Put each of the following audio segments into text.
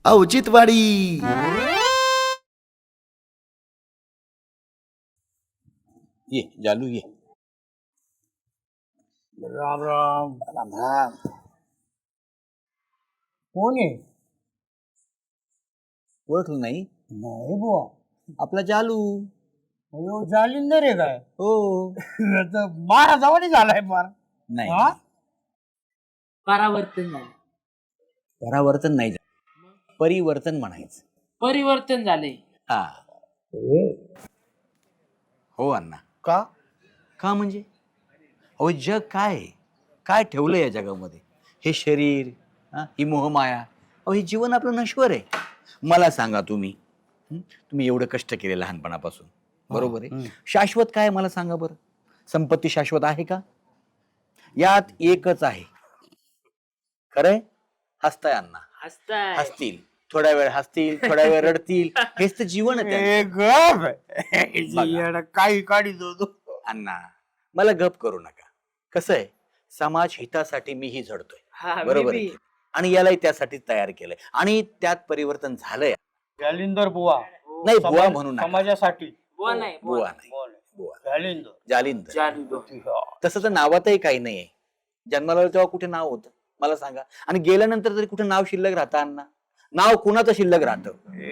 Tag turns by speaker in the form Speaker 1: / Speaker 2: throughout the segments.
Speaker 1: औचित्यवाडी.
Speaker 2: ये जालू ये.
Speaker 3: राम राम.
Speaker 2: राम राम.
Speaker 3: कोण आहे?
Speaker 2: ओळखलं नाही?
Speaker 3: नाही बुवा.
Speaker 2: आपला जालू.
Speaker 3: अयो जालिंदर आहे काय?
Speaker 2: हो.
Speaker 3: मारा जवानी झालाय फार.
Speaker 2: नाही
Speaker 3: हा?
Speaker 4: परावर्तन झालं.
Speaker 2: परावर्तन नाही झालं, परिवर्तन म्हणायचं.
Speaker 4: परिवर्तन झाले.
Speaker 2: हा. हो अण्णा.
Speaker 3: का?
Speaker 2: का म्हणजे अहो जग काय आहे? काय ठेवलं या जगामध्ये? हे शरीर, ही मोहमाया, अहो हे जीवन आपलं नश्वर आहे. मला सांगा तुम्ही, तुम्ही एवढं कष्ट केले लहानपणापासून, बरोबर आहे. शाश्वत काय मला सांगा बरं? संपत्ती शाश्वत आहे का? यात एकच आहे. खरंय? हसताय अण्णा.
Speaker 4: हसताय.
Speaker 2: हसतील, थोड्या वेळ हसतील, थोड्या वेळ रडतील. हेच तर जीवन आहे त्यांचं.
Speaker 3: काही काढी दो.
Speaker 2: अण्णा मला गप करू नका. कसं आहे, समाज हितासाठी मीही झडतोय,
Speaker 4: हा,
Speaker 2: बरोबर
Speaker 4: मी
Speaker 2: आहे
Speaker 4: बी.
Speaker 2: की? आणि यालाही त्यासाठी तयार केलंय आणि त्यात परिवर्तन झालंय.
Speaker 3: जालिंदर बुवा.
Speaker 2: नाही बुवा म्हणू नका.
Speaker 3: समाजासाठी.
Speaker 4: बुवा नाही,
Speaker 2: बुवा नाही,
Speaker 3: बुवा नाही.
Speaker 2: बुवा.
Speaker 3: जालिंदर.
Speaker 2: जालिंदर.
Speaker 4: जालू.
Speaker 2: तसं तर नावातही काही नाहीये. जन्माला आलो तेव्हा कुठे नाव होतं मला सांगा? आणि गेल्यानंतर तरी कुठे नाव शिल्लक राहतं अण्णा? नाव कुणाचं शिल्लक राहतं?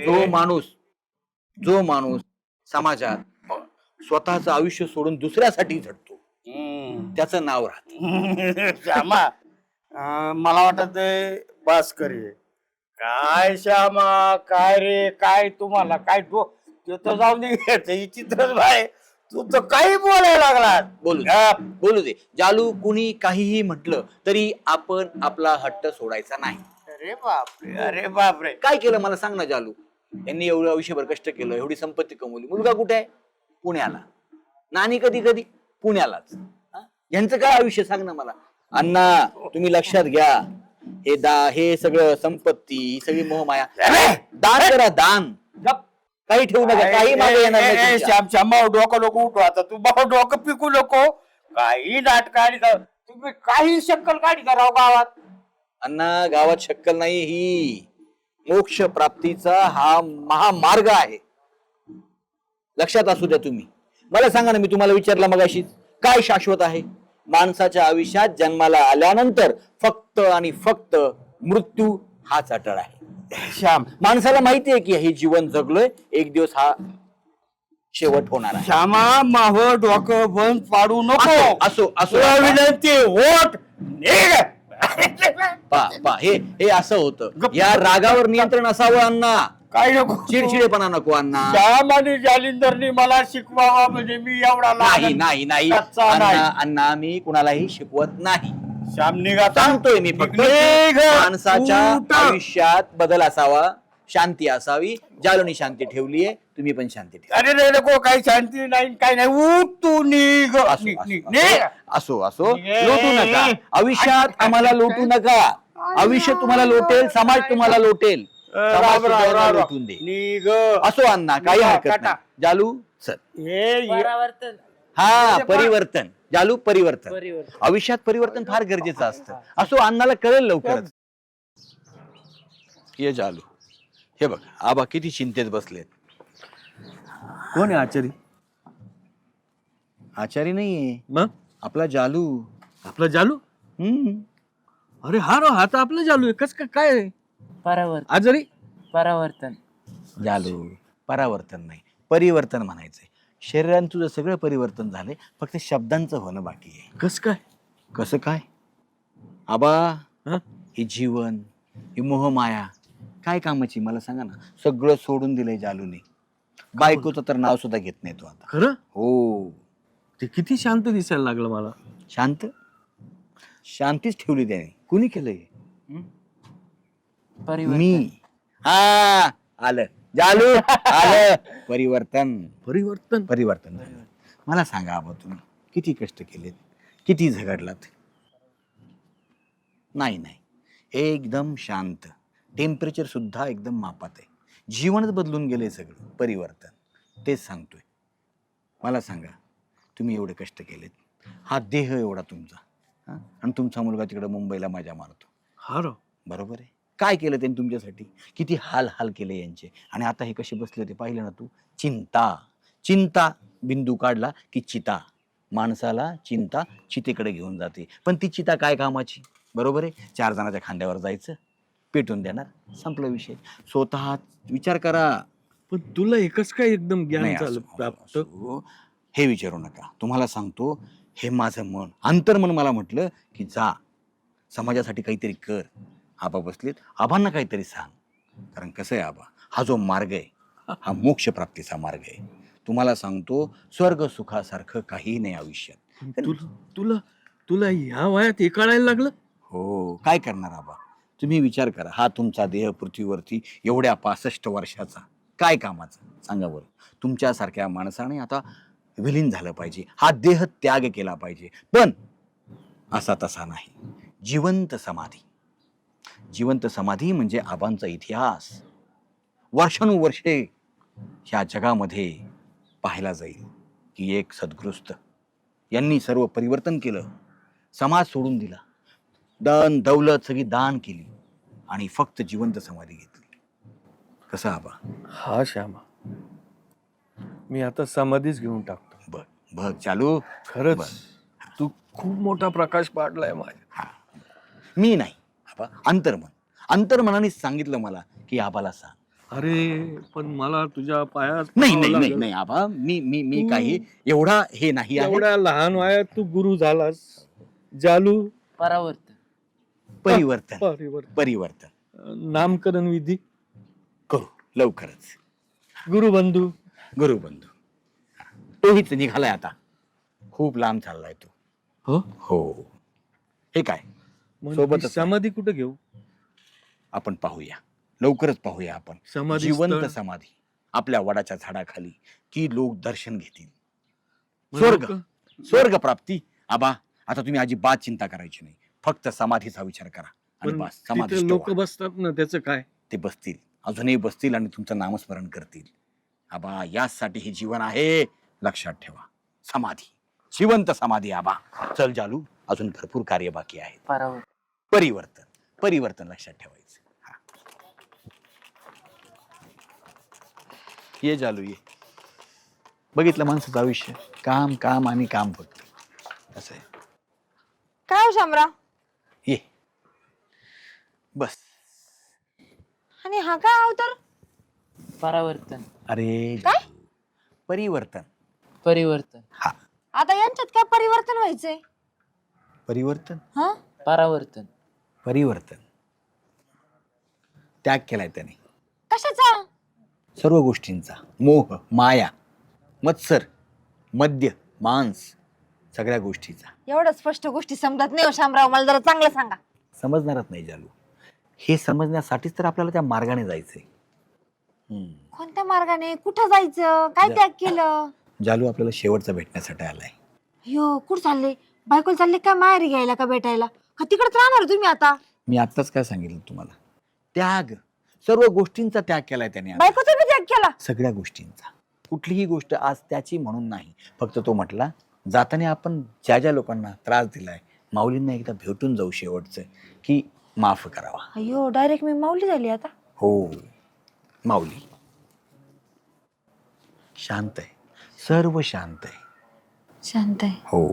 Speaker 2: जो माणूस समाजात स्वतःचं आयुष्य सोडून दुसऱ्यासाठी झटतो त्याचं नाव राहत.
Speaker 3: श्यामा, मला वाटत भास्करी आहे. काय श्यामा, काय रे, काय तुम्हाला काय ते तर जाऊन दे. चित्रच भाई, तू तर काही बोलायला लागला.
Speaker 2: बोलू दे. जालू कुणी काहीही म्हटलं तरी आपण आपला हट्ट सोडायचा नाही.
Speaker 3: अरे बापरे, अरे बापरे.
Speaker 2: काय केलं मला सांग ना जालू? यांनी एवढं आयुष्यभर कष्ट केलं, एवढी संपत्ती कमवली. मुलगा कुठे आहे? पुण्याला. नानी कधी कधी पुण्यालाच. यांचं काय आयुष्य सांग ना मला? अण्णा तुम्ही लक्षात घ्या, हे सगळं संपत्ती, ही सगळी मोहमाया, दान करा, दान. काही ठेवू नका, काही मागे येणार नाही तुमच्या.
Speaker 3: श्याम श्यामा, डोकं लोक उठवा आता. तू बाबा डोकं पिकू नको. काही नाट काढी तुम्ही, काही शक्कल काढी राव गावात.
Speaker 2: अण्णा गावात शक्कल नाही, ही मोक्ष प्राप्तीचा हा महामार्ग आहे. लक्षात असू द्या तुम्ही. मला सांगा ना, मी तुम्हाला विचारलं मगाशी, काय शाश्वत आहे? माणसाच्या आयुष्यात जन्माला आल्यानंतर फक्त आणि फक्त मृत्यू हाच अटळ आहे.
Speaker 3: श्याम,
Speaker 2: माणसाला माहिती आहे की हे जीवन जगलोय, एक दिवस हा शेवट होणार आहे.
Speaker 3: श्यामा, माव डोकं बंद पाडू नको.
Speaker 2: असो असो
Speaker 3: तुला विनंती, वोट निघ.
Speaker 2: पा हे असं होतं. या रागावर नियंत्रण असावं अण्णा.
Speaker 3: काही नको.
Speaker 2: चिडचिडेपणा नको अण्णा.
Speaker 3: श्याम आणि जालिंदरनी मला शिकवावा म्हणजे मी एवढा
Speaker 2: नाही नाही नाही
Speaker 3: कच्चा नाही.
Speaker 2: अण्णा मी कुणालाही शिकवत नाही.
Speaker 3: श्याम निघा.
Speaker 2: सांगतोय मी फक्त
Speaker 3: निघ.
Speaker 2: माणसाच्या
Speaker 3: उठ.
Speaker 2: आयुष्यात बदल असावा, शांती असावी. जालूनी शांती ठेवलीये, तुम्ही पण शांती ठेवा.
Speaker 3: अरे रे नको, काही शांती नाही, काही नाही. उठ तू, निघ.
Speaker 2: असो असो, लोटू नका आयुष्यात, आम्हाला लोटू नका. आयुष्य तुम्हाला लोटेल, समाज तुम्हाला लोटेल. समाज तुम्हाला लोटून दे.
Speaker 3: निघ.
Speaker 2: असो अण्णा, काही हरकत नाही. जालू चल.
Speaker 4: परावर्तन.
Speaker 2: हा परिवर्तन. जालू परिवर्तन.
Speaker 4: परिवर्तन.
Speaker 2: आयुष्यात परिवर्तन फार गरजेचं असतं. असो, अण्णाला कळेल लवकरच. ये जालू, हे बघ आबा किती चिंतेत बसलेत.
Speaker 5: कोण आहे आचारी?
Speaker 2: आचारी नाहीये,
Speaker 5: मग
Speaker 2: आपला जालू.
Speaker 5: आपला जालू? अरे हा रो, हा तर आपला जालू आहे. कस काय आहे?
Speaker 4: परावर्तन.
Speaker 5: आजारी?
Speaker 4: परावर्तन.
Speaker 2: जालू परावर्तन नाही, परिवर्तन म्हणायचंय. शरीरात तुझं सगळं परिवर्तन झालंय, फक्त शब्दांचं होणं बाकी आहे.
Speaker 5: कस काय?
Speaker 2: कसं काय आबा?
Speaker 5: हं?
Speaker 2: हे जीवन, ही मोहमाया काय कामाची मला सांगा ना. सगळं सोडून दिलंय जालूने. बायकोचं तर नाव सुद्धा घेत नाही तो आता.
Speaker 5: खरं?
Speaker 2: हो.
Speaker 5: ते किती शांत दिसायला लागलं मला.
Speaker 2: शांत? शांतीच ठेवली त्याने. कुणी केलंय?
Speaker 4: परिवर्तन.
Speaker 2: मी. हा आलं जालू, आलं परिवर्तन.
Speaker 5: परिवर्तन?
Speaker 2: परिवर्तन झालं. मला सांगा आबा, तुम्ही किती कष्ट केलेत, किती झगडलात. नाही नाही, एकदम शांत. टेम्परेचर सुद्धा एकदम मापात आहे. जीवनच बदलून गेले सगळं. परिवर्तन, तेच सांगतोय. मला सांगा, तुम्ही एवढे कष्ट केलेत, हा देह एवढा तुमचा, आणि तुमचा मुलगा तिकडे मुंबईला मजा मारतो.
Speaker 5: हा रो.
Speaker 2: बरोबर आहे. काय केलं त्यांनी तुमच्यासाठी, किती हाल हाल केले यांचे. आणि आता हे कसे बसले होते पाहिलं ना तू. चिंता, चिंता बिंदू काढला की चिता, माणसाला चिंता चितेकडे घेऊन जाते. पण ती चिता काय कामाची, बरोबर आहे. 4 जणांच्या खांद्यावर जायचं, पेटून देणार, संपला विषय. स्वतः विचार करा.
Speaker 5: पण तुला एकच काय एकदम ज्ञान
Speaker 2: नाही,
Speaker 5: झालं
Speaker 2: असं-
Speaker 5: प्राप्त?
Speaker 2: असं- हे विचारू नका. तुम्हाला सांगतो, हे माझं मन, अंतर्मन मला म्हटलं की जा, समाजासाठी काहीतरी कर. आबा बसलेत, आबांना काहीतरी सांग. कारण कसं आहे आबा, हा जो मार्ग आहे हा मोक्ष प्राप्तीचा मार्ग आहे. तुम्हाला सांगतो, स्वर्ग सुखासारखं काही नाही आयुष्यात.
Speaker 5: तुला तुला तुला ह्या वयात हे कळायला लागलं?
Speaker 2: हो, काय करणार आबा. तुम्ही विचार करा, हा तुमचा देह पृथ्वीवरती एवढ्या 65 वर्षाचा काय कामाचा, सांगा बरं. तुमच्यासारख्या माणसाने आता विलीन झालं पाहिजे, हा देह त्याग केला पाहिजे. पण असा तसा नाही. जिवंत समाधी, जिवंत समाधी म्हणजे आबांचा इतिहास वर्षानुवर्षे ह्या जगामध्ये पाहायला जाईल की एक सद्गृस्त यांनी सर्व परिवर्तन केलं, समाज सोडून दिला, धन दौलत सगळी दान केली आणि फक्त जिवंत समाधी घेतली. कसं आबा?
Speaker 5: हा श्यामा, मी आता समाधीच घेऊन टाकतो.
Speaker 2: बघ बघ चालू.
Speaker 5: खरंच तू खूप मोठा प्रकाश पाडलाय माझ्या.
Speaker 2: हा, मी नाही आबा, अंतर्मन, अंतर्मनाने सांगितलं मला की आबाला सांग.
Speaker 5: अरे पण मला तुझ्या पायात
Speaker 2: नाही
Speaker 5: पडावं
Speaker 2: नाही नाही
Speaker 5: लागेल.
Speaker 2: नाही आबा, मी मी मी
Speaker 5: तू-
Speaker 2: काही एवढा हे नाही आहे.
Speaker 5: एवढ्या लहान वयात तू गुरु झालास. जालू,
Speaker 4: परावर्तन.
Speaker 2: परिवर्तन,
Speaker 5: परिवर्तन,
Speaker 2: परिवर्तन
Speaker 5: नामकरण विधी,
Speaker 2: करू लवकरच.
Speaker 5: गुरुबंधू.
Speaker 2: गुरुबंधू तोहीच निघालाय आता, खूप लांब चाललाय तो.
Speaker 5: हो,
Speaker 2: हो. हे काय,
Speaker 5: मग
Speaker 2: सोबतच
Speaker 5: ही समाधी कुठे घेऊ?
Speaker 2: आपण पाहूया, लवकरच पाहूया आपण.
Speaker 5: समाधी
Speaker 2: जिवंत
Speaker 5: स्थळ.
Speaker 2: समाधी आपल्या वडाच्या झाडाखाली, की लोक दर्शन घेतील.
Speaker 5: मग
Speaker 2: स्वर्ग,
Speaker 5: लोकं-
Speaker 2: स्वर्ग प्राप्ती. आबा आता तुम्ही अजिबात चिंता करायची नाही, फक्त समाधीचा विचार करा आणि
Speaker 5: पण
Speaker 2: बस
Speaker 5: तिथे
Speaker 2: समाधी
Speaker 5: लोक बसतात ना, त्याचं काय?
Speaker 2: ते बसतील, अजूनही बसतील आणि तुमचं नामस्मरण करतील. आबा यासाठी हे जीवन आहे, लक्षात ठेवा. समाधी, जिवंत समाधी. आबा चल जालू, अजून भरपूर कार्य बाकी आहे.
Speaker 4: परावर्तन.
Speaker 2: परिवर्तन, परिवर्तन लक्षात ठेवायचं. हा. ये जालू ये. बघितलं माणसाचं आयुष्य, काम काम आणि काम फक्त, असं आहे.
Speaker 1: काय हो शामराव?
Speaker 2: ये बस.
Speaker 1: आणि हा काय अवतार?
Speaker 4: परावर्तन.
Speaker 2: अरे
Speaker 1: काय?
Speaker 2: परिवर्तन.
Speaker 4: परिवर्तन.
Speaker 2: हा,
Speaker 1: आता यांच्यात काय परिवर्तन व्हायचंय?
Speaker 2: परिवर्तन,
Speaker 1: हा?
Speaker 4: परावर्तन.
Speaker 2: परिवर्तन. त्याग केलाय त्याने
Speaker 1: कशाचा?
Speaker 2: सर्व गोष्टींचा. मोह, माया, मत्सर, मद्य, मांस, सगळ्या गोष्टीचा.
Speaker 1: एवढ्या स्पष्ट गोष्टी समजत नाही हो शामराव, मला जरा चांगलं सांगा.
Speaker 2: समजणारच नाही जालू. हे समजण्यासाठीच तर आपल्याला त्या मार्गाने जायचंय.
Speaker 1: कोणत्या मार्गाने, कुठं जायचं, काय त्याग केलं?
Speaker 2: जालू आपल्याला शेवटचा भेटण्यासाठी आलाय.
Speaker 1: यो कुठं चालले? बायकोला चालले काय माहेरी घ्यायला का भेटायला? का तिकडेच राहणार तुम्ही आता?
Speaker 2: मी आत्ताच काय सांगितलं तुम्हाला, त्याग, सर्व गोष्टींचा त्याग केलाय त्याने आता.
Speaker 1: बायकोचा बी त्याग केला?
Speaker 2: सगळ्या गोष्टींचा. कुठलीही गोष्ट आज त्याची म्हणून नाही, फक्त तो म्हटला जाताना आपण ज्या ज्या लोकांना त्रास दिलाय, माऊलींना एकदा भेटून जाऊ शेवटचं, की माफ करावा.
Speaker 1: अयो डायरेक्ट मी माऊली झाली आता.
Speaker 2: हो, माऊली शांत आहे, सर्व शांत आहे.
Speaker 1: शांत आहे.
Speaker 2: हो,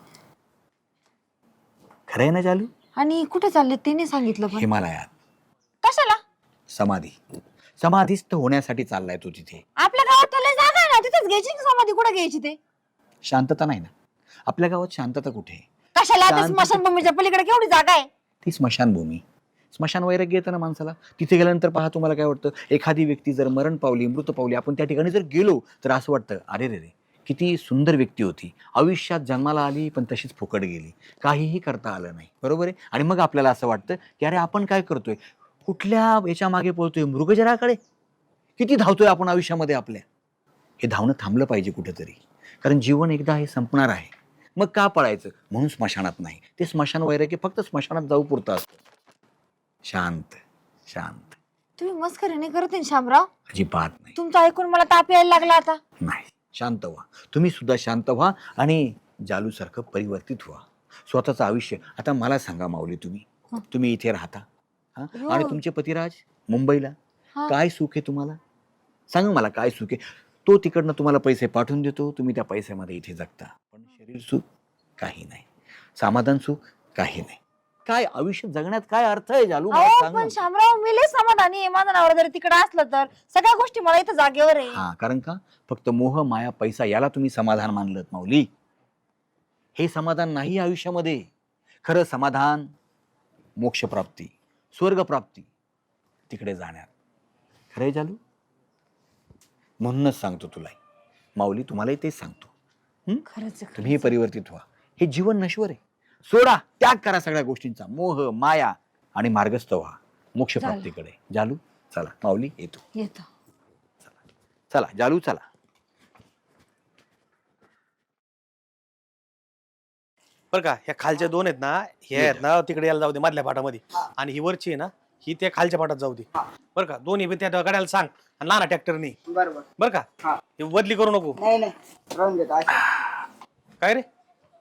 Speaker 2: खरं आहे ना जालू?
Speaker 1: आणि कुठे चालले ते नाही सांगितलं पण.
Speaker 2: हिमालयात
Speaker 1: कशाला?
Speaker 2: समाधी, समाधीस्थ होण्यासाठी चाललाय तो तिथे.
Speaker 1: आपल्या गावात लय जागा आहे ना, तिथेच घ्यायची की समाधी? कुठे घ्यायची ते?
Speaker 2: शांतता नाही ना आपल्या गावात, शांतता कुठे आहे?
Speaker 1: कशाला? ते
Speaker 2: शांत-
Speaker 1: स्मशानभूमीच्या पलीकडे केवढी जागा आहे.
Speaker 2: ती स्मशानभूमी. स्मशान वैराग्य येतं ना माणसाला. तिथे गेल्यानंतर पहा, तुम्हाला काय वाटतं, एखादी व्यक्ती जर मरण पावली, मृत पावली, आपण त्या ठिकाणी जर गेलो तर असं वाटतं, अरे रे रे, किती सुंदर व्यक्ती होती, आयुष्यात जन्माला आली पण तशीच फुकट गेली, काहीही करता आलं नाही, बरोबर आहे. आणि मग आपल्याला असं वाटतं की अरे आपण काय करतोय, कुठल्या याच्या मागे पळतोय, मृगजराकडे. किती धावतोय आपण आयुष्यामध्ये आपल्या. हे धावणं थांबलं पाहिजे कुठेतरी, कारण जीवन एकदा हे संपणार आहे. मग का पळायचं? म्हणून स्मशानात नाही. ते स्मशान वैराग्य फक्त स्मशानात जाऊ पुरतं असतं. शांत शांत.
Speaker 1: तुम्ही मस्करी नाही करत आहे शामराव?
Speaker 2: अजिबात नाही.
Speaker 1: तुमचं ऐकून मला ताप यायला लागला आता.
Speaker 2: नाही, शांत व्हा. तुम्ही सुद्धा शांत व्हा आणि जालूसारखं परिवर्तित व्हा. स्वतःचं आयुष्य. आता मला सांगा माऊली, तुम्ही इथे राहता, हा?
Speaker 1: हो.
Speaker 2: आणि तुमचे पतिराज मुंबईला,
Speaker 1: हा.
Speaker 2: काय सुख आहे तुम्हाला? सांगा मला काय सुख आहे? तो तिकडनं तुम्हाला पैसे पाठवून देतो, तुम्ही त्या पैशामध्ये इथे जगता, पण शरीर सुख काही नाही, समाधान सुख काही नाही. काय आयुष्य जगण्यात काय अर्थ आहे जालू? मला
Speaker 1: अहो
Speaker 2: सांग
Speaker 1: पण
Speaker 2: ना.
Speaker 1: शामराव मी लय समाधानी आहे. माझा नवरा जरी तिकडे असलं तर सगळ्या गोष्टी मला इथं जागेवर आहे.
Speaker 2: हा, कारण का फक्त मोह माया पैसा याला तुम्ही समाधान मानलं माऊली. हे समाधान नाही आयुष्यामध्ये. खरं समाधान मोक्षप्राप्ती, स्वर्गप्राप्ती, तिकडे जाण्यात. खरंय जालू? म्हणूनच सांगतो तुला माऊली, तुम्हालाही तेच सांगतो.
Speaker 1: खरंच आहे,
Speaker 2: तुम्ही परिवर्तित व्हा. हे जीवन नश्वर आहे. सोडा, त्याग करा सगळ्या गोष्टींचा, मोह माया, आणि मार्गस्थ व्हा मोक्षप्राप्तीकडे. जालू चला, माऊली येतो.
Speaker 1: येतो.
Speaker 2: चला जालू चला.
Speaker 6: बरं का, ह्या खालच्या दोन आहेत ना, हे आहेत ना तिकडे यायला जाऊ दे मधल्या पाटामध्ये, आणि ही वरची आहे ना ही त्या खालच्या पाटात जाऊ दे. बरं का, दोन्ही बी त्या गाड्याला सांग आणि लहान ट्रॅक्टरनी. बरं का, हे बदली करू नको. काय रे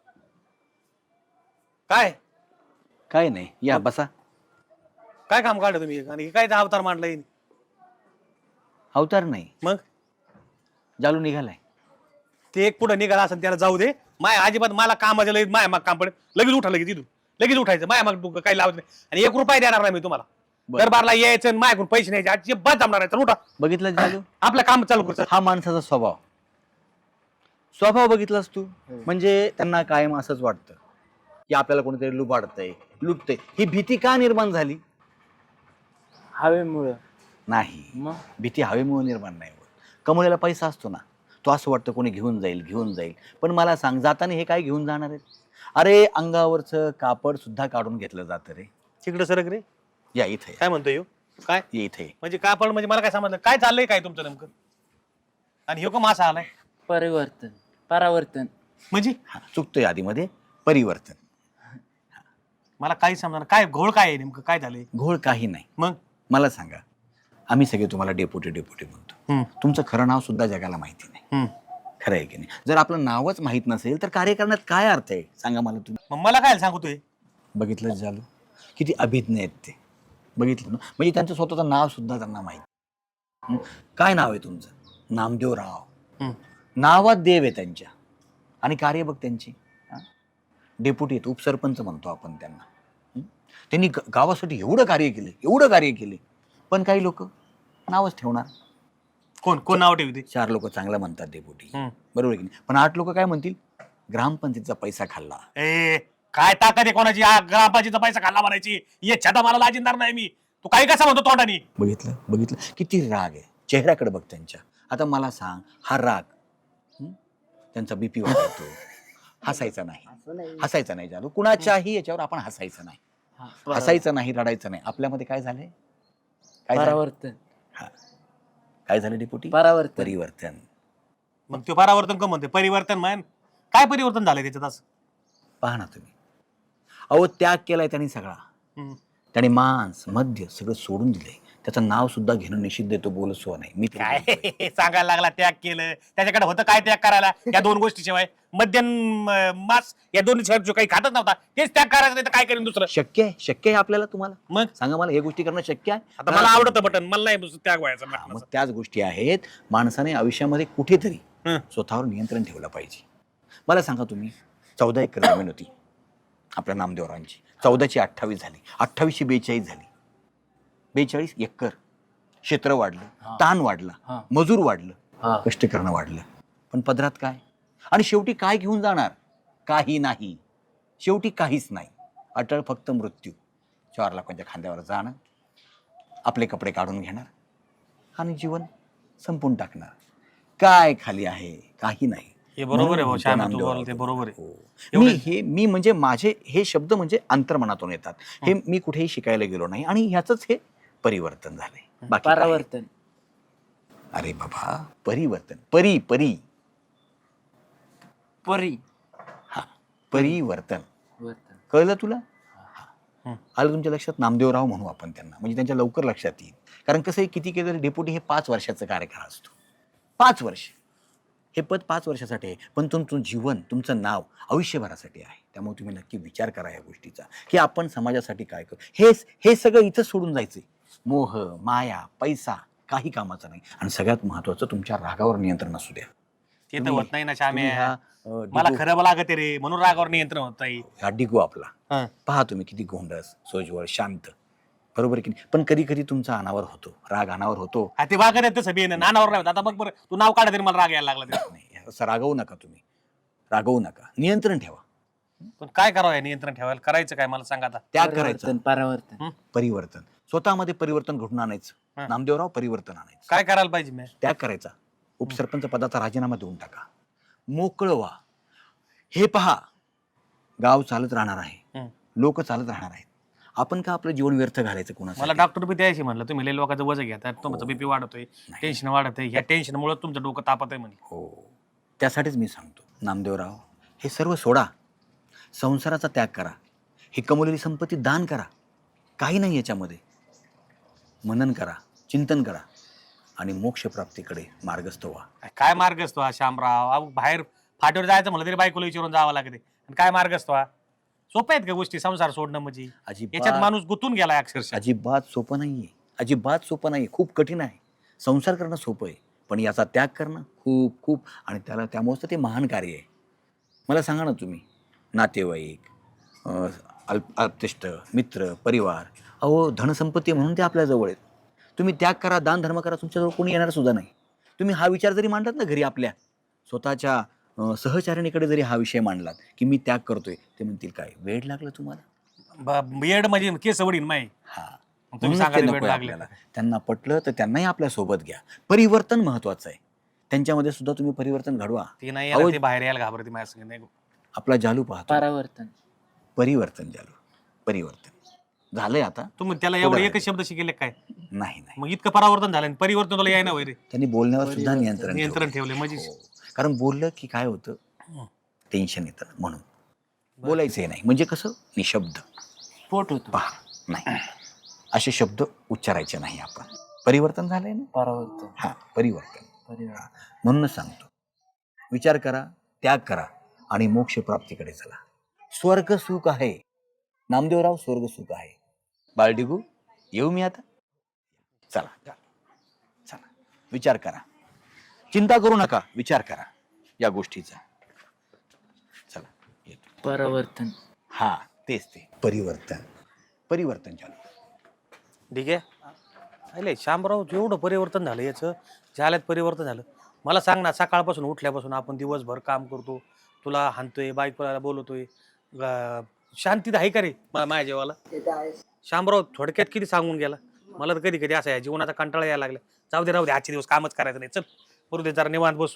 Speaker 6: काय
Speaker 2: काय नाही, या बसा.
Speaker 6: काय काम काढलं तुम्ही आणि काय ते अवतार मांडलाय?
Speaker 2: अवतार नाही,
Speaker 6: मग
Speaker 2: जालू निघालाय.
Speaker 6: ते एक पुढे निघाला असं त्याला जाऊ दे. माय अजिबात मला कामाच्या लगेच माया माग काम पडेल. लगेच उठा, लगेच तिथून लगेच उठायचं. माया माग काही लावत नाही आणि 1 रुपया देणार नाही मी तुम्हाला.
Speaker 2: बरं.
Speaker 6: दरबारला यायचं आणि माझ्याकडून पैसे न्यायचे अजिबात जमणार आहे. उठा,
Speaker 2: बघितलं जालू,
Speaker 6: आपलं काम चालू कर.
Speaker 2: हा माणसाचा स्वभाव. स्वभाव बघितलास तू, म्हणजे त्यांना कायम असंच वाटतं की आपल्याला कोणीतरी लुबाडतंय, लुटतंय. ही भीती का निर्माण झाली?
Speaker 4: हवेमुळं.
Speaker 2: नाही,
Speaker 4: मग
Speaker 2: भीती हवेमुळे निर्माण नाही होत. कमवलेला पैसा असतो ना, तो असं वाटतं कोणी घेऊन जाईल, घेऊन जाईल. पण मला सांग, जाताना हे काय घेऊन जाणार आहेत? अरे अंगावरचं कापड सुद्धा काढून घेतलं जातं रे.
Speaker 6: तिकडे सरक रे.
Speaker 2: या इथे,
Speaker 6: काय म्हणतोय ह्यो? काय
Speaker 2: ये इथे.
Speaker 6: म्हणजे कापड म्हणजे मला काय समजलं? काय चाललंय काय तुमचं नेमकं? आणि ह्यो का मासा आलाय
Speaker 4: परिवर्तन, परावर्तन.
Speaker 6: म्हणजे?
Speaker 2: हा, चुकतोय आधीमध्ये. परिवर्तन.
Speaker 6: मला काही समजणार. काय घोळ काय आहे नेमकं? काय झालंय?
Speaker 2: घोळ काही नाही.
Speaker 6: मग
Speaker 2: मला सांगा, आम्ही सगळे तुम्हाला डेपुटी डेपुटी म्हणतो. तुमचं खरं नाव सुद्धा जगाला माहिती नाही. खरं आहे की नाही? जर आपलं नावच माहित नसेल तर कार्य करण्यात काय अर्थ आहे? सांगा मला तुम्ही.
Speaker 6: मग मला काय सांगतोय?
Speaker 2: बघितलं झालं, किती अभिज्ञ आहेत ते. बघितलं ना, म्हणजे त्यांचं स्वतःचं नाव सुद्धा त्यांना माहिती. काय नाव आहे तुमचं? नामदेवराव. नावात देव आहे त्यांच्या. आणि कार्य बघ त्यांची. डेपुटी आहेत, उपसरपंच म्हणतो आपण त्यांना. त्यांनी गावासाठी एवढं कार्य केले, एवढं कार्य केले. पण काही लोक नावच ठेवणार.
Speaker 6: कोण कोण नाव ठेवते?
Speaker 2: 4 लोक चांगलं म्हणतात डेपुटी, बरोबर की नाही? पण 8 लोक काय म्हणतील? ग्रामपंचायतीचा पैसा खाल्ला.
Speaker 6: ए काय ताकद आहे कोणाची? ग्रामपंचायतीचा पैसा खाल्ला म्हणायची? ये छटा मला लाजिंदार नाही मी. तू काही कसं म्हणतो तोंडानी?
Speaker 2: बघितलं बघितलं, किती राग आहे चेहऱ्याकडे बघ त्यांच्या. आता मला सांग, हा राग त्यांचा बीपी वाढवतो. हसायचा नाही, हसायचा नाही जालू. कुणाच्याही याच्यावर आपण हसायचं नाही, हसायचं नाही, रडायचं नाही. आपल्यामध्ये काय झालंय? काय झालं?
Speaker 4: परावर्तन.
Speaker 2: हा, काय झालं डेपुटी?
Speaker 4: परावर्तन.
Speaker 2: परिवर्तन.
Speaker 6: मग ते परावर्तन का म्हणते? परिवर्तन म्हण. काय परिवर्तन झालंय त्याच्यात असं?
Speaker 2: पहा ना तुम्ही. अहो, त्याग केलाय त्यांनी सगळा. त्याने मांस मद्य सगळं सोडून दिलंय. त्याचं नाव सुद्धा घेणं निषिद्ध आहे. तो बोलसो नाही. मी
Speaker 6: काय सांगायला लागला त्याग केलं? त्याच्याकडे होतं काय त्याग करायला? या 2 गोष्टीशिवाय, मद्य मास, या 2 शिवाय जो काही खातच नव्हता तेच त्याग करायचं. नाही तर काय करेन दुसरं?
Speaker 2: शक्य आहे? शक्य आहे आपल्याला? तुम्हाला
Speaker 6: मग
Speaker 2: सांगा मला, हे गोष्टी करणं शक्य आहे?
Speaker 6: आता मला आवडतं बटन, मला नाही त्याग व्हायचं.
Speaker 2: मग त्याच गोष्टी आहेत. माणसाने आयुष्यामध्ये कुठेतरी स्वतःवर नियंत्रण ठेवलं पाहिजे. मला सांगा तुम्ही, 14 एकर जमीन होती आपल्या नामदेवरांची. 14ची 28 झाली, 28ची 42 झाली. 42 एकर. क्षेत्र वाढलं, ताण वाढला, मजूर वाढलं, कष्ट करणं वाढलं. पण पदरात काय? आणि शेवटी काय घेऊन जाणार? काही नाही. शेवटी काहीच नाही. अटळ फक्त मृत्यू. 4 लाखांच्या खांद्यावर जाणं, आपले कपडे काढून घेणार आणि जीवन संपून टाकणार. काय खाली आहे? काही नाही.
Speaker 6: हे बरोबर आहे भाऊ,
Speaker 2: म्हणून
Speaker 6: श्याम,
Speaker 2: तो
Speaker 6: तू
Speaker 2: नामदेव
Speaker 6: बोलते बरोबर आहे.
Speaker 2: हो. मी म्हणजे माझे हे शब्द म्हणजे अंतर्मनातून येतात. हे मी कुठेही शिकायला गेलो नाही आणि ह्याचंच हे परिवर्तन झालंय. बाकी काय?
Speaker 4: परावर्तन.
Speaker 2: अरे बाबा, परिवर्तन. परी परी
Speaker 4: परी.
Speaker 2: हा, परिवर्तन.
Speaker 4: वर्तन.
Speaker 2: कळलं तुला? आलं तुमच्या लक्षात? नामदेवराव म्हणू आपण त्यांना, म्हणजे त्यांच्या लवकर लक्षात येईल. कारण कसं आहे, किती केलं तरी डेप्युटी हे 5 वर्षाचा कार्यकाळ असतो. 5 वर्ष. हे पद 5 वर्षासाठी आहे, पण तुमचं जीवन, तुमचं नाव आयुष्यभरासाठी आहे. त्यामुळे तुम्ही नक्की विचार करा या गोष्टीचा की आपण समाजासाठी काय करू. हे सगळं इथं सोडून जायचंय. मोह, माया, पैसा काही कामाचा नाही. आणि सगळ्यात महत्वाचं तुमच्या रागावर नियंत्रण असू द्या.
Speaker 6: ते तर
Speaker 2: तुम्ही-
Speaker 6: होत नाही ना
Speaker 2: तुम्ही
Speaker 6: श्याम्या.
Speaker 2: हा,
Speaker 6: मला
Speaker 2: डिगो-
Speaker 6: खरं लागत रे म्हणून रागावर नियंत्रण होत नाही.
Speaker 2: हा डिगो आपला
Speaker 6: हा.
Speaker 2: पहा तुम्ही किती गोंडस, सोजवळ, शांत, बरोबर की नाही. पण कधी कधी तुमचा अनावर होतो, राग अनावर होतो.
Speaker 6: हा, ते वागत येतं सभी नानावर नाही होत. आता बघ बरं तू नाव काढा तरी मला राग यायला लागला ते.
Speaker 2: नाही असं रागवू नका तुम्ही, रागवू नका, नियंत्रण ठेवा.
Speaker 6: पण काय करावं या नियंत्रण ठेवायला करायचं काय मला सांगा आता.
Speaker 2: त्याग करायचा,
Speaker 4: परिवर्तन परावर्तन.
Speaker 2: परिवर्तन स्वतःमध्ये परिवर्तन घडून आणायचं.
Speaker 6: हा.
Speaker 2: नामदेवराव परिवर्तन आणायचं.
Speaker 6: काय करायला पाहिजे मी.
Speaker 2: त्याग करायचा, उपसरपंच पदाचा राजीनामा देऊन टाका, मोकळं व्हा. हे पहा, गाव चालत राहणार आहे, लोक चालत राहणार आहेत. आपण का आपलं जीवन व्यर्थ घालायचं
Speaker 6: मला
Speaker 2: कोणाला?
Speaker 6: डॉक्टर बी द्यायची म्हणलं तुम्ही लय लोकांचं वजन घ्या तुमचं बीपी वाढतोय, टेन्शन वाढतंय. ह्या टेन्शनमुळे तुमचं डोकं तापत आहे म्हणजे.
Speaker 2: हो, त्यासाठीच मी सांगतो नामदेवराव, हे सर्व सोडा, संसाराचा त्याग करा, ही कमवलेली संपत्ती दान करा. काही नाही याच्यामध्ये. मनन करा, चिंतन करा आणि मोक्षप्राप्तीकडे मार्गस्थ व्हा.
Speaker 6: काय मार्ग असतो हा श्यामराव. अहो, बाहेर फाटीवर जायचं म्हणलं तरी बायकोला विचारून जावं लागते. आणि काय मार्ग असतो हा. सोपं आहेत का गोष्टी संसार सोडणं म्हणजे. याच्यात
Speaker 2: अजिबात
Speaker 6: माणूस गुंतून गेला अक्षरशः.
Speaker 2: अजिबात सोपं नाहीये, अजिबात सोपं नाही, खूप कठीण आहे. संसार करणं सोपं आहे, पण याचा त्याग करणं खूप खूप, आणि त्यामुळेच तर ते महान कार्य आहे. मला सांगा ना तुम्ही, नातेवाईक, अल्पतिष्ठ, मित्र, परिवार, अहो धनसंपत्ती म्हणून ते आपल्या जवळ आहेत. तुम्ही त्याग करा, दान धर्म करा, तुमच्याजवळ कोणी येणार सुद्धा नाही. तुम्ही हा विचार जरी मांडलात ना घरी आपल्या स्वतःच्या सहचारिणीकडे जरी हा विषय मांडलात की मी त्याग करतोय, ते म्हणतील काय वेड लागलं तुम्हाला.
Speaker 6: बेड म्हणजे केस वडीन माय.
Speaker 2: हा,
Speaker 6: तुम्ही
Speaker 2: म्हणूनच
Speaker 6: सांगा
Speaker 2: ते
Speaker 6: ते
Speaker 2: नकोय
Speaker 6: वेड लागले.
Speaker 2: आपल्याला. त्यांना पटलं तर त्यांनाही आपल्या सोबत घ्या. परिवर्तन महत्वाचं आहे, त्यांच्यामध्ये सुद्धा तुम्ही परिवर्तन घडवा.
Speaker 6: ते नाही
Speaker 2: अहो,
Speaker 6: यायला, ते बाहेर यायला घाबरते माझ्या संग नाही.
Speaker 2: आपला जालू पाहतो,
Speaker 4: परावर्तन.
Speaker 2: परिवर्तन जालू, परिवर्तन झालंय आता.
Speaker 6: तुम्ही त्याला
Speaker 2: थोडं
Speaker 6: एवढे
Speaker 2: आहे.
Speaker 6: एकच शब्द शिकेले काय.
Speaker 2: नाही नाही,
Speaker 6: मग इतकं परावर्तन झालं आणि परिवर्तन तुला याय ना वैरे.
Speaker 2: त्यांनी बोलण्यावर सुद्धा नियंत्रण
Speaker 6: नियंत्रण
Speaker 2: ठेवलं.
Speaker 6: ठेवले म्हणजे.
Speaker 2: हो. कारण बोललं की काय होतं, टेन्शन येतं, म्हणून बोलायचंही नाही. म्हणजे कसं, निशब्द
Speaker 4: स्फोट होतो.
Speaker 2: पहा, नाही असे शब्द उच्चारायचे नाही आपण. परिवर्तन झालंय ना,
Speaker 4: परावर्तन.
Speaker 2: हा परिवर्तन.
Speaker 4: परिवर्तन.
Speaker 2: म्हणूनच सांगतो, विचार करा, त्याग करा आणि मोक्ष प्राप्तीकडे चला. स्वर्ग सुख आहे नामदेवराव, स्वर्ग सुख आहे. बाळडिगू, येऊ मी आता? चला चला, विचार करा, चिंता करू नका, विचार करा या गोष्टीचा. चला येतो.
Speaker 4: परावर्तन.
Speaker 2: हा तेच ते परिवर्तन, परिवर्तन चालू.
Speaker 6: ठीक आहे. अरे श्यामराव, एवढं परिवर्तन झालं याचं, झाल्यात परिवर्तन झालं. मला सांग ना, सकाळपासून उठल्यापासून आपण दिवसभर काम करतो, तुला हाणतोय, बायकोला बोलवतोय, शांतीत आहे का रे माझ्या जेवाला. श्यामराव थोडक्यात किती सांगून गेला. मला तर कधी कधी असं आहे, जीवनाचा कंटाळा यायला लागला. जाऊ दे, राहू दे, आजचे दिवस कामच करायचं नाही. चल बरोबर दे, जरा निवांत बसू.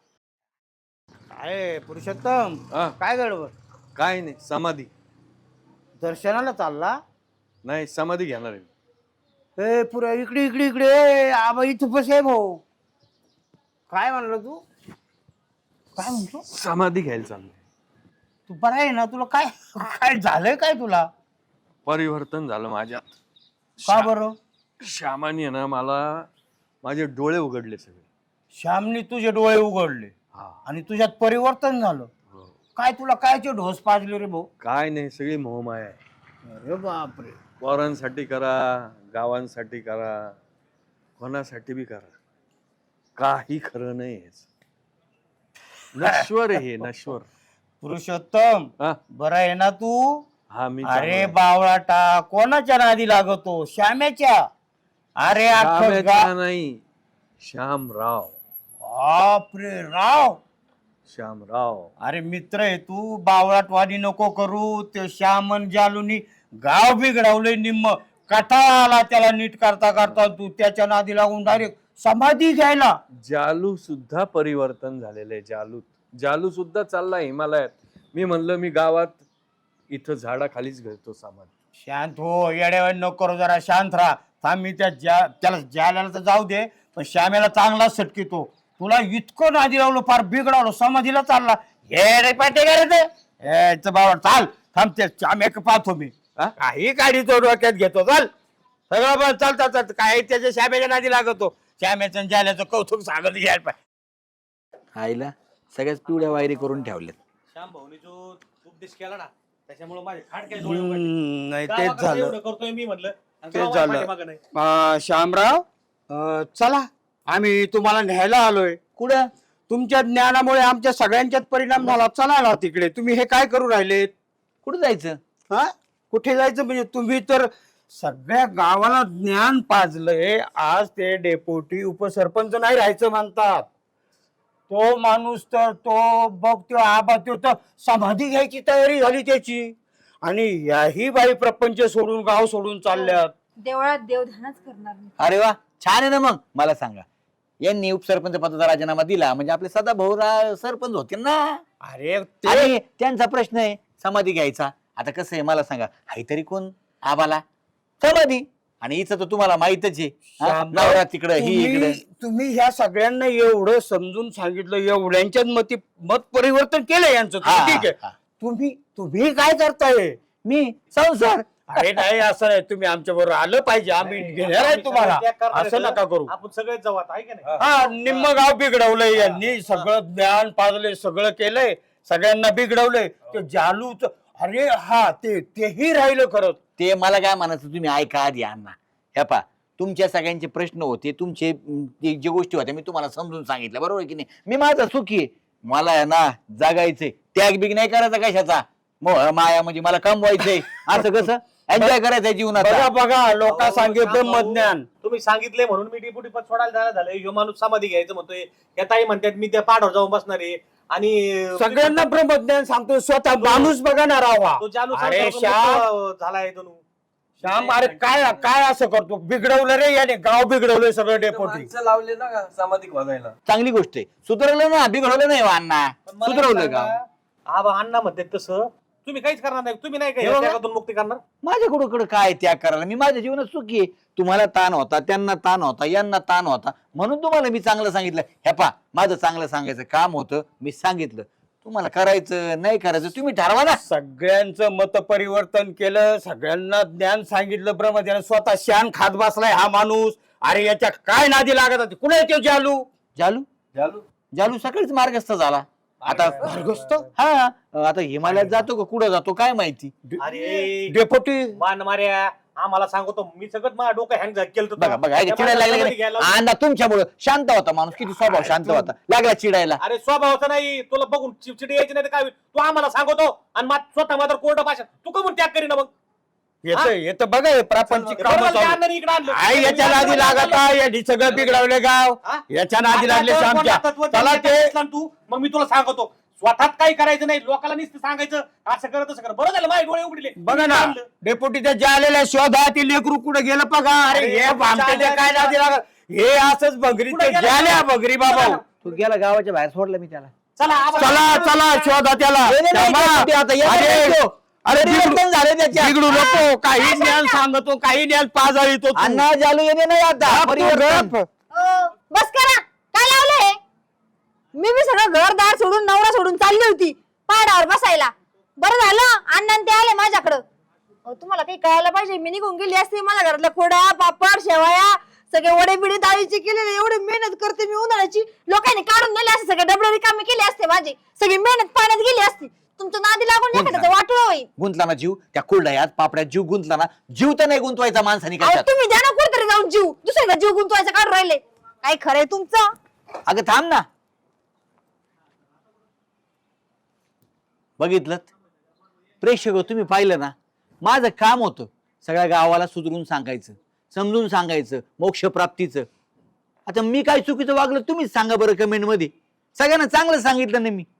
Speaker 3: अरे पुरुषोत्तम, काय गडबड.
Speaker 5: काय नाही, समाधी
Speaker 3: दर्शनाला चालला.
Speaker 5: नाही, समाधी घेणार आहे.
Speaker 3: ए पुरा इकडे इकडे इकडे, आबा इथं बस आहे भाऊ. काय म्हणलं तू, काय म्हणतो.
Speaker 5: समाधी घ्यायला चाललंय.
Speaker 3: तू बरा आहे ना, तुला काय काय झालंय काय तुला.
Speaker 5: परिवर्तन झालं माझ्यात.
Speaker 3: का बरं.
Speaker 5: श्यामाने ना मला माझे डोळे उघडले सगळे.
Speaker 3: श्यामनी तुझे डोळे उघडले
Speaker 5: हा.
Speaker 3: आणि तुझ्यात परिवर्तन झालं.
Speaker 5: हो.
Speaker 3: काय तुला कायचे ढोस पाजले रे भाऊ.
Speaker 5: काय नाही, सगळी मोहमाया आहे.
Speaker 3: अरे बापरे.
Speaker 5: पोरांसाठी करा, गावांसाठी करा, कोणासाठी बी करा, काही खरं नाही. नश्वर आहे हे, नश्वर.
Speaker 3: पुरुषोत्तम,
Speaker 5: हा?
Speaker 3: बरा आहे ना तू.
Speaker 5: हा, मी
Speaker 3: अरे बावळाटा, कोणाच्या नादी लागतो. श्यामेच्या. अरे अख्खं
Speaker 5: श्यामाच्या नाही, श्यामराव.
Speaker 3: बापरे राव.
Speaker 5: श्यामराव.
Speaker 3: अरे मित्र आहे तू, बावळाटवादी नको करू. ते श्यामन जालूनी गाव बिघडवलंय निम्म. कटाळा आला त्याला नीट करता करता, तू त्याच्या नादी लागून डायरेक्ट समाधी घ्यायला.
Speaker 5: जालू सुद्धा परिवर्तन झालेलं आहे. जालू सुद्धा चालला हिमालयात. मी म्हणलं मी गावात इथं झाडाखालीच घेतो समाधी.
Speaker 3: शांत हो, येड्यावानी नको करू, जरा शांत राहा. थांब, मी त्याला ज्याला तर जाऊ दे, पण श्यामेला चांगला सटकितो. तुला इतकं नादी लावलं, फार बिघडवलं, समाधीला चालला. हे रे पाटे का रे ते, हे बाबा चाल, थांब, ते श्यामे पाहतो मी. काही गाडी तो डोक्यात घेतो. चाल सगळं बस, चालतात काय त्याच्या श्यामेच्या नादी लागतो. श्यामेचं जाल्याचं कौतुक सांगत घ्यायला पाहिजे.
Speaker 2: आईला सगळ्याच पिवळ्या वायरी करून ठेवल्यात.
Speaker 6: श्याम भाऊनी जो उपदेश केला ना त्याच्यामुळे माझे खाट काय डोळे उघडले.
Speaker 3: नाही तेच
Speaker 6: गावाकडे
Speaker 3: झालं
Speaker 6: एवढं करतोय मी म्हणलं आणि
Speaker 3: तेच
Speaker 6: गाव
Speaker 3: झालं.
Speaker 6: पाठीमागं नाही.
Speaker 3: श्यामराव चला आम्ही तुम्हाला न्यायला आलोय.
Speaker 2: कुठं?
Speaker 3: तुमच्या ज्ञानामुळे आमच्या सगळ्यांच्यात परिणाम झाला. चला ना तिकडे. तुम्ही हे काय करू राहिलेत?
Speaker 2: कुठं जायचं?
Speaker 3: हा कुठे जायचं म्हणजे तुम्ही तर सगळ्या गावाला ज्ञान पाजलंय. आज ते डेपोटी उपसरपंच नाही राहायचं म्हणतात. तो माणूस तर तो बघ तो आबा तो तर समाधी घ्यायची तयारी झाली त्याची. आणि याही बाई प्रपंच सोडून गाव सोडून चालल्यात.
Speaker 1: देवळात देवधानच करणार नाही.
Speaker 2: अरे वा, छान आहे ना. मग मला सांगा, यांनी उपसरपंच पदाचा राजीनामा दिला म्हणजे आपले सदाभाऊ सरपंच होते ना.
Speaker 3: अरे ते
Speaker 2: आणि त्यांचा प्रश्न आहे समाधी घ्यायचा. आता कसं आहे मला सांगा, तरी कोण आबाला समाधी, आणि हिचं तर तुम्हाला माहितच आहे. हा?
Speaker 3: शामराव,
Speaker 2: नवरा तिकडं, ही इकडे.
Speaker 3: तुम्ही ह्या सगळ्यांना एवढं समजून सांगितलं, एवढ्यांच्यात मत परिवर्तन केलं यांचं.
Speaker 2: हा,
Speaker 3: ठीक आहे.
Speaker 2: हा.
Speaker 3: तुम्ही काय करताय?
Speaker 2: मी संसार.
Speaker 3: अरे नाही असं नाही. तुम्ही आमच्या बरोबर आलं पाहिजे. आम्ही घेणार आहे तुम्हाला.
Speaker 6: त्या करणार
Speaker 3: असं
Speaker 6: आहेत.
Speaker 3: नका करू.
Speaker 6: आपण सगळेच जाऊ आता आहे का नाही?
Speaker 3: हा निम्म गाव बिघडवलंय यांनी. सगळं ज्ञान पाजलंय, सगळं केलंय, सगळ्यांना बिघडवलंय. ते जालूच अरे हा तेही राहिलं खरं.
Speaker 2: ते मला काय म्हणायचं, तुम्ही ऐका आधी अण्णा. हे पा, तुमच्या सगळ्यांचे प्रश्न होते, तुमचे जे गोष्टी होत्या मी तुम्हाला समजून सांगितलं, बरोबर आहे की नाही. मी माझा सुखी आहे. मला आहे ना जागायचंय, त्याग बिग नाही करायचा कशाचा. मोह माया म्हणजे मला कमवायचंय. असं कसं एन्जॉय करायचंय जीवनात.
Speaker 3: बघा बघा लोक सांगे ब्रह्मज्ञान.
Speaker 6: तुम्ही सांगितले म्हणून मी डेप्युटी पद सोडायला झालंय. ह्यो माणूस समाधी घ्यायचं म्हणतोय. त्या ताई म्हणतात मी त्या पाठावर जाऊन बसणार आहे. आणि
Speaker 3: सगळ्यांना ब्रह्मज्ञान सांगतो. स्वतः माणूस बघणार राहावा.
Speaker 6: तो चालू
Speaker 3: अरे श्याम,
Speaker 6: झालाय तो.
Speaker 3: श्याम अरे काय असं करतो? बिघडवलं रे याने. गाव बिघडवलंय सगळं डेपोटी.
Speaker 5: माणसं लावले ना का समाधी वाजायला.
Speaker 2: चांगली गोष्ट आहे. सुधारलं ना, बिघडवलं नाही हो अण्णा, सुधारवलं का?
Speaker 6: आबा अण्णा म्हणतात तसं तुम्ही काहीच करणार नाही. तुम्ही नाही
Speaker 2: हे बघा.
Speaker 6: काही त्यातून मुक्ती करणार.
Speaker 2: माझ्याकडं काय त्याग करायला? मी माझ्या जीवनात सुखी आहे. तुम्हाला ताण होता, त्यांना ताण होता, यांना ताण होता, म्हणून तुम्हाला मी चांगलं सांगितलं. हे पा, माझं चांगलं सांगायचं काम होतं, मी सांगितलं. तुम्हाला करायचं नाही करायचं तुम्ही ठरवा ना.
Speaker 3: सगळ्यांचं मत परिवर्तन केलं, सगळ्यांना ज्ञान सांगितलं ब्रह्मज्ञान. स्वतः शान खात बसलाय हा माणूस. अरे याच्या काय नादी लागत होती? कुठे येतो जालू?
Speaker 2: जालू
Speaker 5: झालो.
Speaker 2: जालू सकाळीच मार्गस्थ झाला. आता
Speaker 3: मार्गस्थ?
Speaker 2: हा, आता हिमालयात जातो का कुठं जातो काय माहिती.
Speaker 6: अरे
Speaker 3: डेपोटी
Speaker 6: मान मार्या आम्हाला सांगतो. मी सगळं माझं डोकं हँग केलं.
Speaker 2: बघा बघा, ऐका, चिडायला लागले. अण्णा तुमच्यामुळं शांत होता माणूस, किती स्वभाव शांत होता, लागला चिडायला.
Speaker 6: अरे स्वभावाचं नाही. तुला बघून चिडचिडी यायची नाही तर काय होईल? तू आम्हाला सांगतो आणि स्वतः मात्र कोर्ट भाषा तू का म्हणून त्याग करी ना. मग
Speaker 3: येतं बघा हे प्रापंचिक कामं
Speaker 6: बरोबर, त्या
Speaker 3: चालू.
Speaker 6: अण्णांनी इकडं आणलं.
Speaker 3: आई याच्या नादी लागत आहे. यांनी सगळं बिघडवले गाव.
Speaker 6: हा?
Speaker 3: याच्या नादी लागले
Speaker 6: आता तो
Speaker 3: आमच्या.
Speaker 6: तत्व
Speaker 3: चला
Speaker 6: त्यांनी
Speaker 3: ते
Speaker 6: घेतलं ना तू. मग मी तुला सांगतो स्वतःच काही करायचं नाही. लोकांना नुसतं सांगायचं असं करत तसं कर. बरं झालं माझे डोळे उघडले.
Speaker 3: बघा ना
Speaker 6: आणलं.
Speaker 3: डेपोटीच्या ज्या आलेल्या शोधा ती लेकरू कुठे गेलं बघा. अरे
Speaker 6: अरे,
Speaker 3: हे भामट्याचे काय नादी लागत. हे असंच भगरी
Speaker 6: कुठं
Speaker 3: ते
Speaker 6: गेलं?
Speaker 3: ज्याल्या भगरी बाबा.
Speaker 2: तू गेला गावाच्या बाहेर, सोडलं मी त्याला.
Speaker 6: चला आम्हाला-
Speaker 3: चला चला शोधा त्याला.
Speaker 2: नाही, नाही,
Speaker 3: श्यामा,
Speaker 2: नाही, ते आता येणार
Speaker 3: अरे,
Speaker 2: नाही तो.
Speaker 3: अरे
Speaker 2: परिवर्तन झाले त्याच्यात.
Speaker 3: बिघडू नको. काही ज्ञान सांगतो, काही ज्ञान पाजाळीतो तू.
Speaker 2: अण्णा जालू येणे नाही आता.
Speaker 3: गप तू,
Speaker 2: परिवर्तन.
Speaker 3: गप.
Speaker 1: बस करा. काय लावलंय? मी सगळं घरदार सोडून नवरा सोडून चालली होती पहाडावर बसायला. बरं झालं अण्णा ते आले माझ्याकडं. तुम्हाला काही कळायला पाहिजे. मी निघून गेली असते. मला घरातल्या खोड्या पापड शेवया सगळे वडे बिडे डाळीचे केलेले. एवढी मेहनत करते मी उन्हाळ्याची. लोकांनी काढून दिले असते. सगळे डबडे रिकामे केले असते माझे. सगळी मेहनत पाण्यात गेली असती. तुमचं नादी लागून एखाद्याचं वाटोळं होईल.
Speaker 2: गुंतला ना जीव त्या कुरड्यात पापड्यात, जीव गुंतला ना. जीव तर नाही गुंतवायचा माणसाने
Speaker 1: अहो,
Speaker 2: कशात.
Speaker 1: तुम्ही द्या ना कुठतरी जाऊन जीव. दुसऱ्याचा जीव गुंतवायचा काढून राहिले. काय खरंय तुमचं?
Speaker 2: अगं थांब ना. बघितलं प्रेक्षक, तुम्ही पाहिलं ना, माझं काम होतं सगळ्या गावाला सुधरून सांगायचं, समजून सांगायचं मोक्षप्राप्तीचं. आता मी काय चुकीचं वागलं तुम्हीच सांगा बरं कमेंट मध्ये. सगळ्यांना चांगलं सांगितलं ना मी.